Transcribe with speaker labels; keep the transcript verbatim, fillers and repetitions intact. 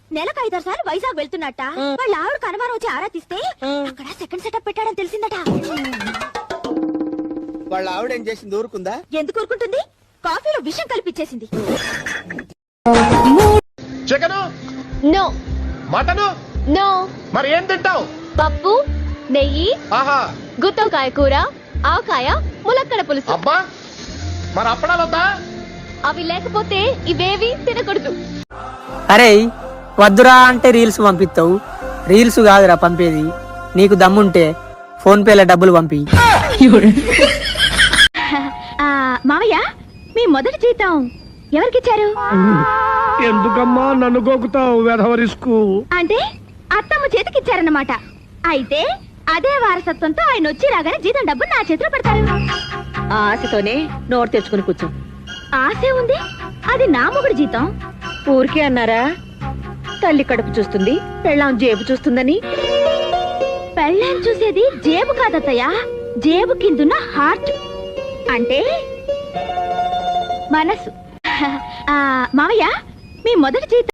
Speaker 1: నెలకు ఐదారు సార్లు వైజాగ్ వెళ్తున్నట్ట. వాళ్ళ ఆవిడ కనుమానం వచ్చి ఆరా తీస్తే అక్కడ సెకండ్ సెటప్ పెట్టాడని తెలిసిందట.
Speaker 2: వాళ్ళ ఆవిడ ఏం చేసింది? ఊరుకుందా?
Speaker 1: ఎందుకు ఊరుకుంటుంది? కాఫీలో విషం కలిపిచ్చేసింది.
Speaker 3: Chicken
Speaker 4: no.
Speaker 3: Mutton
Speaker 4: no.
Speaker 3: మరి ఏం తింటావు?
Speaker 4: పప్పు, నెయ్యి,
Speaker 3: ఆహా,
Speaker 4: గుత్తొంకాయ కూర, ఆవకాయ, ములక్కడ పులుసు.
Speaker 3: అబ్బా, మరి అప్పడాలు వద్దా?
Speaker 4: అవి లేకపోతే ఇవేవి తినకూడదు.
Speaker 5: అరే వద్దురా అంటే రీల్స్ పంపిస్తావు. రీల్స్ కాదురా పంపేది. నీకు దమ్ముంటే ఫోన్ పేలో డబ్బులు పంపి.
Speaker 1: మావయ్య, మీ మొదటి జీతం ఎవరికిచ్చారు?
Speaker 6: ఎందుకమ్మా నన్ను గోకుతావు? వెధవరిస్కు
Speaker 1: అంటే అత్తమ్మ చేతికిచ్చారన్నమాట. అయితే అదే వారసత్వంతో ఆయన వచ్చి రాగానే జీతం డబ్బు నా చేతిలో పెడతారు.
Speaker 7: ఆ ఆశతోనే నోరు తెచ్చుకుని కూర్చో.
Speaker 1: ఆశే ఉంది, అది నా మొగుడు జీతం.
Speaker 7: ఊరికే అన్నారా? తల్లి కడుపు చూస్తుంది, పెళ్ళాం జేబు చూస్తుందని.
Speaker 1: పెళ్ళాన్ని చూసేది జేబు కాదత్తయ్య, జేబు కిందున్న హార్ట్ అంటే మనసు. మావయ్య, మీ మొదటి జీతం